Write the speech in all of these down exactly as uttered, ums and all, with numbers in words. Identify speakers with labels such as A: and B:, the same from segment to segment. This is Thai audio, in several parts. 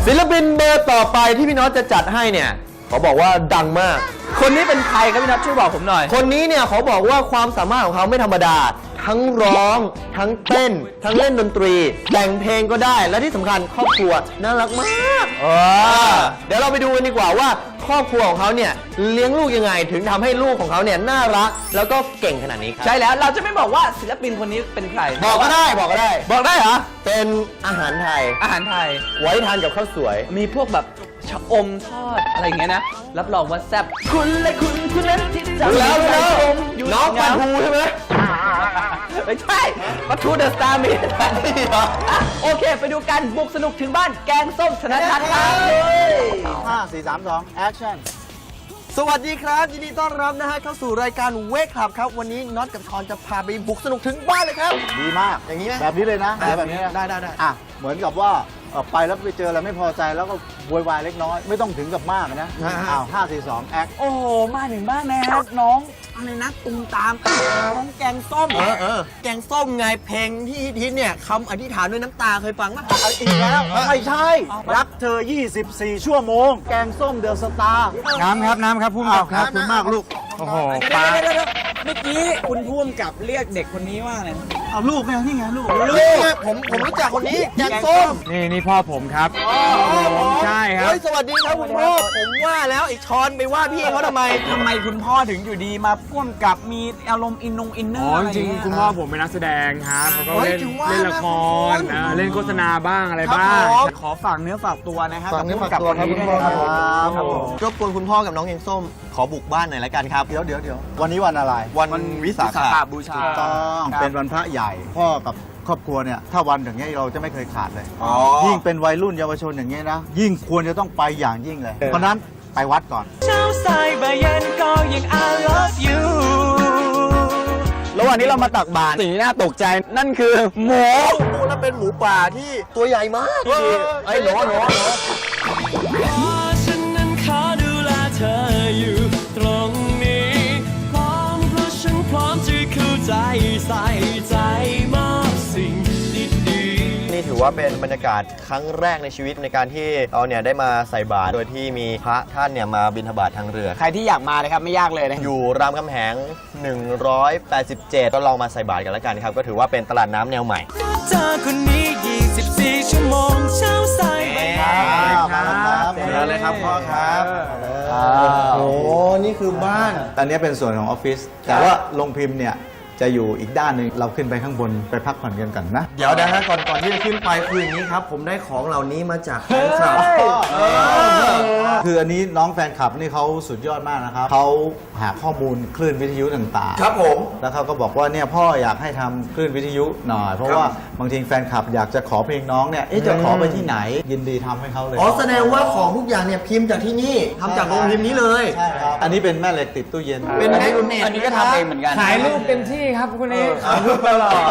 A: ศิลปินเบอร์ต่อไปที่พี่น็อตจะจัดให้เนี่ยเขาบอกว่าดังมาก
B: คนนี้เป็นใครครับพี่น็อตช่วยบอกผมหน่อย
A: คนนี้เนี่ยเขาบอกว่าความสามารถของเขาไม่ธรรมดาทั้งร้องทั้งเต้นทั้งเล่นดนตรีแต่งเพลงก็ได้และที่สำคัญครอบครัวน่ารักมากเออเดี๋ยวเราไปดูกันดีกว่าว่าครอบครัวของเขาเนี่ยเลี้ยงลูกยังไงถึงทำให้ลูกของเขาเนี่ยน่ารักแล้วก็เก่งขนาดนี้ครับ
B: ใช่แล้วเราจะไม่บอกว่าศิลปินคนนี้เป็นใคร
A: บอกก็ได้บอกก็ได้
B: บอกได้เหรอ
A: เป็นอาหารไทย
B: อาหารไทย
A: ไว้ทานกับข้าวสวย
B: มีพวกแบบชะอมทอดอะไรอย่างเงี้ยนะรับรองว่าแซ่บคุณและคุณคุณนั้นที่จะ
A: แล้วแล้วน้องปลาทูใช่ไหม
B: ไม่ใช่ปลาทูเดอะสตาร์มีโอเคไปดูกันบุกสนุกถึงบ้านแกงส้มธนทัศน์ครับ
C: ห้าสี่สามสองแอคชั่น
A: สวัสดีครับยินดีต้อนรับนะฮะเข้าสู่รายการเวกคลับครับวันนี้น็อตกับทอนจะพาไปบุกสนุกถึงบ้านเลยครับ
C: ดีมาก
A: อย่างนี้ไหม
C: แบบนี้เลยนะแบบนี้
A: ได้ได้ได้
C: อ่ะเหมือนกับว่าไปแล้วไปเจออะไรไม่พอใจแล้วก็โวยวายเล็กน้อยไม่ต้องถึงกับมากนะอ้าวห้าสี่สองแอค
B: โอ้โหมาถึงบ้านแม่น้องอะไรนะตุ้มตามน้องแกงส้ม
A: เออเออแกงส้มไงเพลงที่ฮิตเนี่ยคำอธิษฐานด้วยน้ำตาเคยฟังไหม
C: อีกแล้วไม่ใช่รักเธอยี่สิบสี่ชั่วโมงแกงส้มเดอะสตาร์
D: น้ำครับน้ำครับพุ่มกับครับคุณมากลูกโอ้โห
B: ปลาเมื่อกี้คุณพุ่มกับเรียกเด็กคนนี้ว่าอะไร
C: เอาลูกไงนี่ไงลูก
A: ลูกผมผมรู้จักคนนี้แกงส้ม
D: นี่นี่พ่อผมครับใช่ครับ
A: สวัสดีครับคุณพ่อผมว่าแล้วไอ้ชอนไปว่าพี่เขาทำไม
B: ทำไมคุณพ่อถึงอยู่ดีมาพ่วงกับมีอารมณ์อินนงอินเนอร์
D: อ๋อจริงคุณพ่อผมเป็นนักแสดงครับเขาก็เล่นเล่นละครเล่นโฆษณาบ้างอะไรบ้าง
B: ขอฝากเนื้อฝากตัวนะครับ
A: ฝากเนื้อฝากตัวครับคุณพ่อครับรบกวนคุณพ่อกับน้องแกงส้มขอบุกบ้านหน่อยละกันครับ
C: เดี๋ยวเดี๋ยวเดี๋ยววันนี้วันอะไร
A: วันวิสาข
B: บูชา
C: ต้องเป็นวันพระใหญ่พ่อกับครอบครัวเนี่ยถ้าวันอย่างเงี้ยเราจะไม่เคยขาดเลยยิ่งเป็นวัยรุ่นเยาวชนอย่างเงี้ยนะยิ่งควรจะต้องไปอย่างยิ่งเลยเพราะนั้นไปวัดก่อน
B: เช้าสายบ่ายเย็นก็ยัง I love you
A: ระหว่างนี้เรามาตักบาตรสิ่งที่น่าตกใจนั่นคือหมูดูแล้วเป็นหมูป่าที่ตัวใหญ่มากไอ้หนอหนอ
B: ฉันนั้นขอดูแลเธออยู่ตรงนี้พร้อมเพราะฉันพร้อมจะเข้าใจใส่ใจมากสิ่งดีๆ
A: นี่ถือว่าเป็นบรรยากาศครั้งแรกในชีวิตในการที่เราเนี่ยได้มาใส่บาตรโดยที่มีพระท่านเนี่ยมาบิณฑบาตทางเรือ
B: ใครที่อยากมาเลยครับไม่ยากเลยนะ
A: อยู่รามคำแหงหนึ่งร้อยแปดสิบเจ็ดก็ลองมาใส่บาตรกันแล้วกันครับก็ถือว่าเป็นตลาดน้ำแนวใหม่
B: เจอคนนี้ยี่สิบสี่ชั่วโมงเช้าสายบ่าย
A: ครับเชิญเลยครับพ่อครับโอ้นี่คือบ้าน
C: ตอนนี้เป็นส่วนของออฟฟิศแต่ว่าโรงพิมพ์เนี่ยจะอยู่อีกด้านหนึ่งเราขึ้นไปข้างบนไปพักผ่อนกันกันนะ
A: เดี๋ยวนะฮะก่อนก่อนที่จะขึ้นไปคืออย่างนี้ครับผมได้ของเหล่านี้มาจากแฟนคลับ
C: คืออันนี้น้องแฟนคลับนี่เขาสุดยอดมากนะครับเขาหาข้อมูลคลื่นวิทยุต่าง
A: ๆครับผม
C: แล้วเขาก็บอกว่าเนี่ยพ่ออยากให้ทำคลื่นวิทยุหน่อยเพราะว่าบางทีแฟนคลับอยากจะขอเพลงน้องเนี่ยจะขอไปที่ไหนยินดีทำให้เขาเลย
A: อ๋อแสดงว่าของทุกอย่างเนี่ยพิมพ์จากที่นี่ทำจากโรงพิมพ์นี้เลย
C: ใช่ครับอันนี้เป็นแม่เหล็กติดตู้เย็น
A: เป็นแม่รุ่นเน็ต
B: อันนี้ก็ทำเองเหมือนกัน
D: ขายรูปเต็มที่ครับคุณเอขายรูปตลอด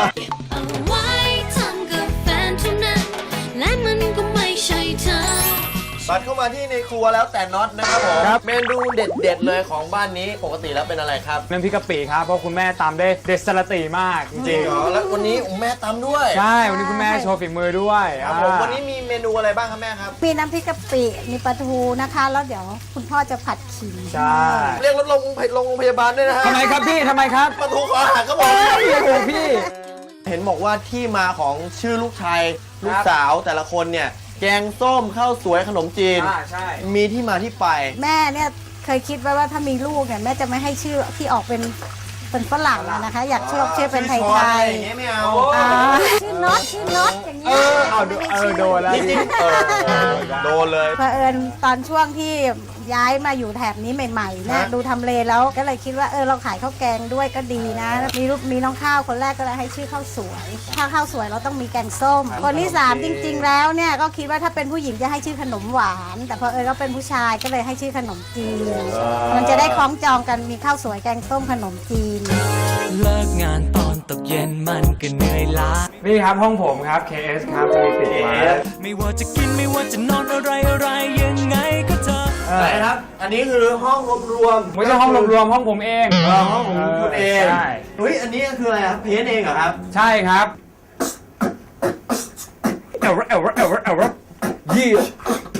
A: บัดเข้ามาที่ในครัวแล้วแต่น็อตนะครับผมเมนูเด็ดๆเลยของบ้านนี้ปกติแล้วเป็นอะไรครับ
D: น้ำพริกกะปิครับเพราะคุณแม่ตำได้เด็ดสลัดตีมากจริง
A: ๆแล้ววันนี้แม่ตำด้วย
D: ใช่วันนี้คุณแม่โชว์ฝีมือด้วย
A: ครับผมวันนี้มีเมนูอะไรบ้างครับแม่ครับ
E: มีน้ำพริกกะปิมีปลาทูนะคะแล้วเดี๋ยวคุณพ่อจะผัดขิง
D: ใช่
A: เรียกรถลงโรงพยาบาลด้วยนะฮะ
D: ทำไมครับพี่ทำไมครับ
A: ปลาทูคอหักก็บอก
D: โอ้พี่
A: เห็นบอกว่าที่มาของชื่อลูกชายลูกสาวแต่ละคนเนี่ยแกงส้มข้าวสวยขนมจีนมีที่มาที่ไป
E: แม่เนี่ยเคยคิดไว้ว่าถ้ามีลูกเนี่ยแม่จะไม่ให้ชื่อที่ออกเป็นเป็นฝรั่งนะคะอยากชื่อชื่อเป็นไทยไทย
A: อย่างเงี้ยไม่เอา
E: ชื่อน็อตชื่อน็อตอย่างเงี้ย
D: เอาเออโดนแล้ว
A: จริงๆโดนเลย
E: เผอิญตอนช่วงที่ย้ายมาอยู่แถบนี้ใหม่ๆเนี่ยดูทำเลแล้วก็เลยคิดว่าเออเราขายข้าวแกงด้วยก็ดีนะมีรูปมีน้องข้าวคนแรกก็เลยให้ชื่อข้าวสวยถ้าข้าวสวยเราต้องมีแกงส้มคนที่สามจริงๆแล้วเนี่ยก็คิดว่าถ้าเป็นผู้หญิงจะให้ชื่อขนมหวานแต่พอเออก็เป็นผู้ชายก็เลยให้ชื่อขนมจีนมันจะได้คล้องจองกันมีข้าวสวยแกงส้มขนมจีน
B: เลิกงานตอนตกเย็นมันก็เหนื่อยล้า
D: นี่ครับห้องผมครับ เค เอส ครับจะมีติดมา
B: ไม่ว่าจะกินไม่ว่าจะนอนอะไรอะไรยังไงก็เจอ
A: อะไรครับอันนี้คือห้องรวมรวม
D: ไม่ใช่ห้องรวมรวมห้องผมเอง
A: ห้องของคุณเองใช่เฮ้ยอันนี้คืออะไรครับเพ้นเองเหรอครับ
D: ใช่ครับเอวเอวเอวเอวยี่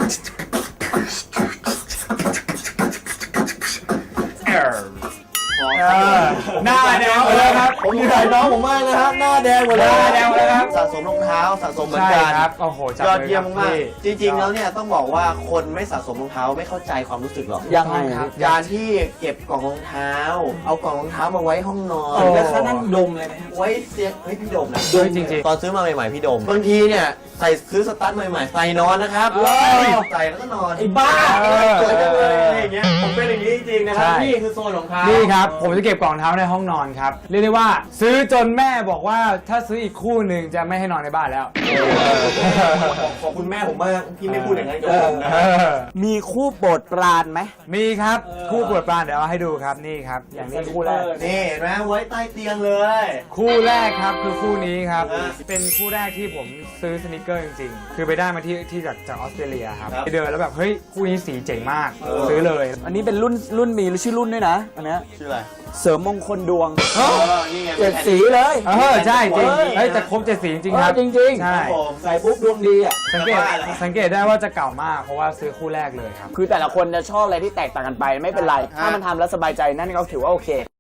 D: หน้าแดงหมดเลยครับ
A: ผมอยู่ถ่ายน้องผมมากนะฮะหน้าแดงหมดเลย
D: หน้าแดงหมดเลยครับ
A: สะสมรองเท้าสะสมเหมือน
D: ใช่
A: กัน
D: ครับโอ้โหจับ
A: ยอดเยี่ยม
D: ล
A: มาก
D: พี่
A: จริงๆแล้วเนี่ยต้องบอกว่าคนไม่สะสมรองเท้าไม่เข้าใจความรู้สึกหรอก
F: ยังไง
D: ครับ
A: การที่เก็บกล่องรองเท้า เอากล่องรองเท้ามาไว้ห้องนอน
D: โอ้
F: แล้วเขานั่งดมเลยนะ
A: ไว้เสียงเฮ้ยพี่ดมนะ
D: ด้วยจริง
A: ตอนซื้อมาใหม่ๆพี่ดมบางทีเนี่ยใส่ซื้อสตาร์ทใหม่ๆใส่นอนนะครับใส่แล้วก็นอน
F: ไอ้บ้า
A: สวยจังเลยอะไรอย่างเงี้ยผมเป็นอย่างนี้จริงๆนะครับ
D: ใช่
A: นี่คือโซนของเขา
D: ๆ
A: นี่
D: นี่ครับ ผมจะเก็บกล่องเท้าในห้องนอนครับ เรียกได้ว่า ซื้อจนแม่บอกว่าถ้าซื้ออีกคู่หนึ่งจะไม่ให้นอนในบ้านแล้ว
A: ขอบคุณแม่ผมมากที่ไม่พูดอย่างนั้นกับผมนะ
D: เออ
F: มีคู่โปรดปรานไหม
D: มีครับคู่ปวดปรานเดี๋ยวเอาให้ดูครับนี่ครับ อย่างนี้คู่แรก
A: นี่เห็นไหมไว้ใต้เตียงเลย
D: คู่แรกครับคือคู่นี้ครับ
A: อ่า
D: เป็นคู่แรกที่ผมซื้อสนิเกอร์จริงๆ คือไปได้มาที่ที่จากจากออสเตรเลียครับ
A: ครับ
D: ไปเดินแล้วแบบเฮ้ยคู่นี้สีเจ๋งมาก
A: เออ
D: ซื้อเลย
F: อันนี้เป็นรุ่นรุ่นมีชื่อรุ่นด้วยนะอันเนี้ย
A: ชื่ออะไร
F: เสริมมงคลดวง
A: เออนี่ไง
F: เจ็ดสีเลย
D: เออใช่จริง
A: เฮ้ย
D: เฮ้ยแต่ครบเจ็ดสีจริงๆครับ
F: เออจริงๆ
D: ใช่
A: ครับผม
F: ใส่ปุ๊บดวงดีอ่ะ
D: สังเกต
A: จะว่าเหรอ
D: สังเกตได้ว่าจะเก่ามากเพราะว่าซื้อคู่แรกเลยครับ
F: คือแต่ละคนจะชอบอะไรที่แตกต่างกันไปไม่เป็นไร ถ้ามันทำแล้วสบายใจนั่นก็ถือว่าโอเค